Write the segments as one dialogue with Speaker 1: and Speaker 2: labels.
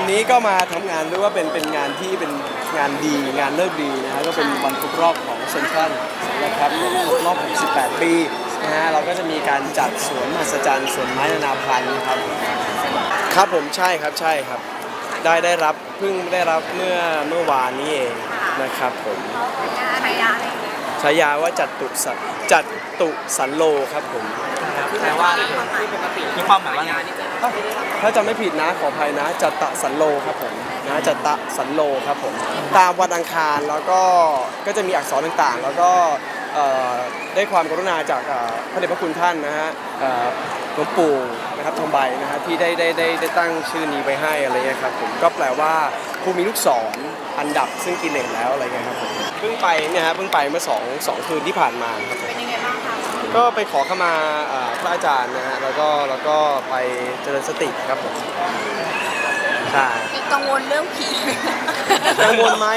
Speaker 1: นี้ก็มาทำงานด้วยว่าเป็นงานที่เป็นงานดีงานเลิกดีนะฮะก็เป็นวันครบรอบของเซ็นทรัลนะครับครบรอบ68 ปีนะฮะเราก็จะมีการจัดสวนมหัศจรรย์สวนไม้นานาพันธุ์ครับครับผมใช่ครับได้รับเพิ่งได้รับเมื่อวานนี้เองนะครับผมฉายาว่าจัตุสันโลครับผม
Speaker 2: แปลว่าที่ปกติมีความหมายว่าไง
Speaker 1: ถ้าจำไม่ผิดนะขออภัยนะจัตสันโลครับผมนะจัตสันโลครับผมตามวันอังคารแล้วก็จะมีอักษรต่างๆแล้วก็ได้ความกรุณาจากพระเดชพระคุณท่านนะฮะหลวงปู่นะครับทองใบนะฮะที่ได้ตั้งชื่อนี้ไปให้อะไรเงี้ยครับผมก็แปลว่าผู้มีลูกศรอันดับซึ่งกินเหล็กแล้วอะไรเงี้ยครับผมเพิ่งไปเนี่ยฮะเพิ่งไปเมื่อสองคืนที่ผ่านมาครับ
Speaker 3: เป็นยังไงบ้างคะ
Speaker 1: ก็ไปขอเข้ามาพระอาจารย์นะฮะแล้วก็ไปเจริญสติครับผมใช่
Speaker 3: กังวลเรื่องผี
Speaker 1: กังวลไหม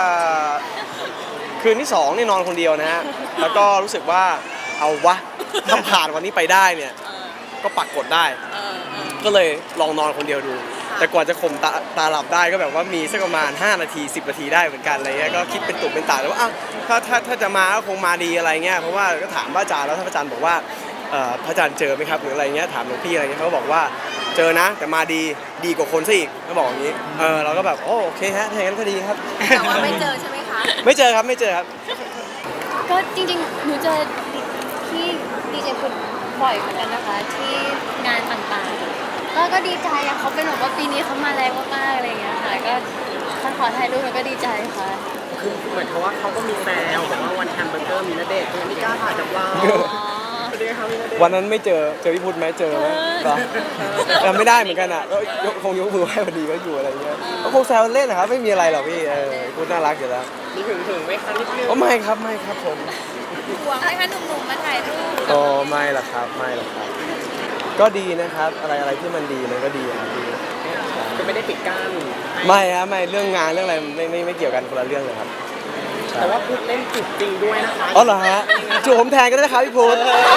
Speaker 1: คืนที่2นี่นอนคนเดียวนะฮะแล้วก็รู้สึกว่าเอาวะถ้าผ่านวันนี้ไปได้เนี่ยก็ปักกดได้ก็เลยลองนอนคนเดียวดูแต่กว่าจะข่มตาหลับได้ก็แบบว่ามีสักประมาณ5 นาที10 นาทีได้เหมือนกันอะไรเงี้ยก็คิดเป็นตุ่เป็นตาแล้วว่าถ้าจะมาก็คงมาดีอะไรเงี้ยเพราะว่าก็ถามพระอาจารย์แล้วถ้าพระอาจารย์บอกว่าพระอาจารย์เจอไหมครับหรืออะไรเงี้ยถามหลวงพี่อะไรเงี้ยเขาก็บอกว่าเจอนะแต่มาดีกว่าคนซะอีกเขาบอกอย่างนี้เราก็แบบโอเคฮะถ้าอย่างนั้นก็ดีครับ
Speaker 3: แต่ว่าไม่เจอใช่ไหมคะ
Speaker 1: ไม่เจอครับ
Speaker 4: ก็จริงๆหนูเจอที่ดีเจพุทธบ่อยเหมือนกันนะคะที่งานต่างๆก็ดีใจอะเขาเป็นแบบว่าปีนี้เขามาแรงมากๆอะไรอย่างเงี้ยค่ะก็ขอถ่ายรูปแล้วก็ดีใจค่ะ
Speaker 2: คือเหมือนเขาว่าเขาก็มีแซวบอกว่าวันแฮมเบอร์เกอร์มีณเดชน์ก็ไม่กล้าถ่ายกับเรา
Speaker 1: วันนั้นไม่เจอพี่พุทธไหมเจอไหมจำไม่ได้เหมือนกันอ่ะก็คงยกมือไหว้พอดีก็อยู่อะไรเงี้ยก็คงแซวเล่นนะครับไม่มีอะไรหรอกพี่พุทธน่ารักอยู่แล้ว
Speaker 2: มีถึงไหมคะนิดนึง
Speaker 1: ไม่ครับผม
Speaker 3: ห่วงให้คะหนุ่มๆมาถ่ายรูป
Speaker 1: ไม่หรอกครับก็ดีนะครับอะไรที่มันดีมันก็ดีครับดี
Speaker 2: ก็ไม่ได้ปิดกั้น
Speaker 1: ไม่ครับไม่เรื่องงานเรื่องอะไรไม่เกี่ยวกันคนละเรื่องเลยครับ
Speaker 2: แต่ว่าพุทธเล่นจุดจริงด้วยนะคะ
Speaker 1: อ๋อเหรอฮะจูบผมแทนก็ได้นะครับพี่พุทธ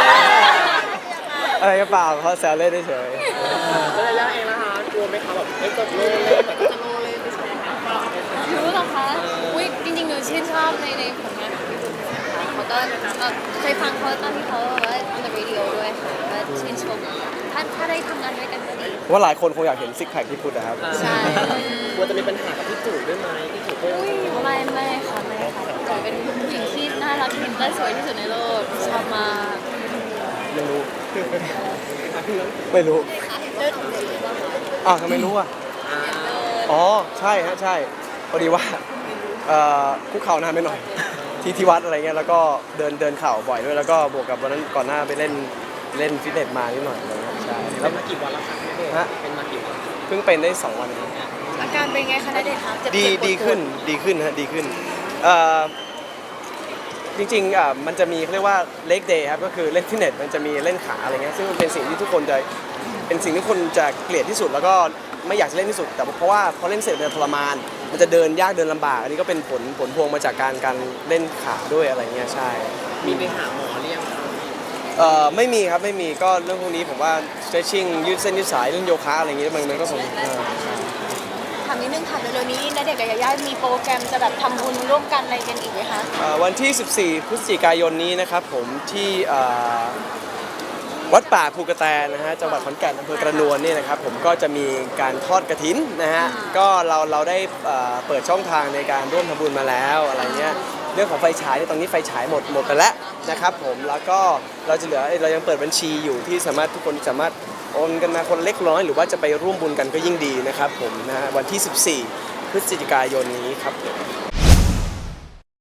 Speaker 1: อะไรก็เปล่าเขาแซวเล่นเฉย
Speaker 2: แล้วระยะเองนะคะกลัวไหมคะแบบไม่ตกโลเลยแต่ก็จะโลเลยไม่ใช่
Speaker 4: รู้หรอคะอุ้ยจริงๆหนูชื่นชอบในผลงานของพี่บุ๋มนะคะเขาก็เคยฟังเขาตอนที่เขาว่า on the radio ด้วยค่ะก็ชื่นชมถ้าได้ทำงานด้วยกันก็ดี
Speaker 1: ว่าหลายคนคงอยากเห็นซิกแพคที่พุทธนะครับ
Speaker 4: ใช่
Speaker 2: กลัวจะมีปัญหากับพี่ตู่ด้วยไหมพี่ตู่
Speaker 4: ไม่ค่ะจ๋าเป็นผู้หญิงที่น่ารักเห็นและสวยที่สุดในโลกชอบมาก
Speaker 1: ไม่รู้ทำไมรู้อ่ะอ๋อใช่ฮะใช่พอดีว่าคุกเข่านานไปหน่อยที่วัดอะไรเงี้ยแล้วก็เดินเข่าบ่อยด้วยแล้วก็บวกกับวันนั้นก่อนหน้าไปเล่นฟิตเนสมานิดหน่อยใช่
Speaker 2: แล้วมากี่วันแล้วครับเป็นมากี่วัน
Speaker 1: เพิ่งเป็นได้2 วัน
Speaker 3: อาการเป็นไงคะณเดชน์ครับ
Speaker 1: ดีขึ้นฮะดีขึ้นจริงๆมันจะมีเขาเรียกว่าเล็กเดย์ครับก็คือเล่นฟิตเนสมันจะมีเล่นขาอะไรเงี้ยซึ่งมันเป็นสิ่งที่ทุกคนจะเป็นสิ่งที่คนจะเกลียดที่สุดแล้วก็ไม่อยากจะเล่นที่สุดแต่เพราะว่าพอเล่นเสร็จมันทรมานมันจะเดินยากเดินลำบากอันนี้ก็เป็นผลพวงมาจากการเล่นขาด้วยอะไรเงี้ยใช่
Speaker 2: มีไปหาหมอเรียง
Speaker 1: ไม่มีครับไม่มีก็เรื่องพวกนี้ผมว่า stretching ยืดเส้นยืดสายเล่นโยคะอะไรเงี้ยมันก็คง
Speaker 3: ถามนิดนึงค่ะเร็วๆนี้ณเดชน์กับยาย่ามีโปรแกรมจะแบบทำบุญร่วมกันอะไรกันอีกไหมคะ
Speaker 1: วันที่14 พฤศจิกายนนี้นะครับผมที่วัดป่าภูกระแตนะฮะจังหวัดขอนแก่นอำเภอกระนวลนี่นะครับผมก็จะมีการทอดกฐินนะฮะก็เราได้เปิดช่องทางในการร่วมทำบุญมาแล้วอะไรเงี้ยเรื่องของไฟฉายตอนนี้ไฟฉายหมดไปแล้วนะครับผมแล้วก็เรายังเปิดบัญชีอยู่ที่ทุกคนสามารถโอนกันมาคนเล็กน้อยหรือว่าจะไปร่วมบุญกันก็ยิ่งดีนะครับผมนะฮะวันที่14 พฤศจิกายนนี้ครับ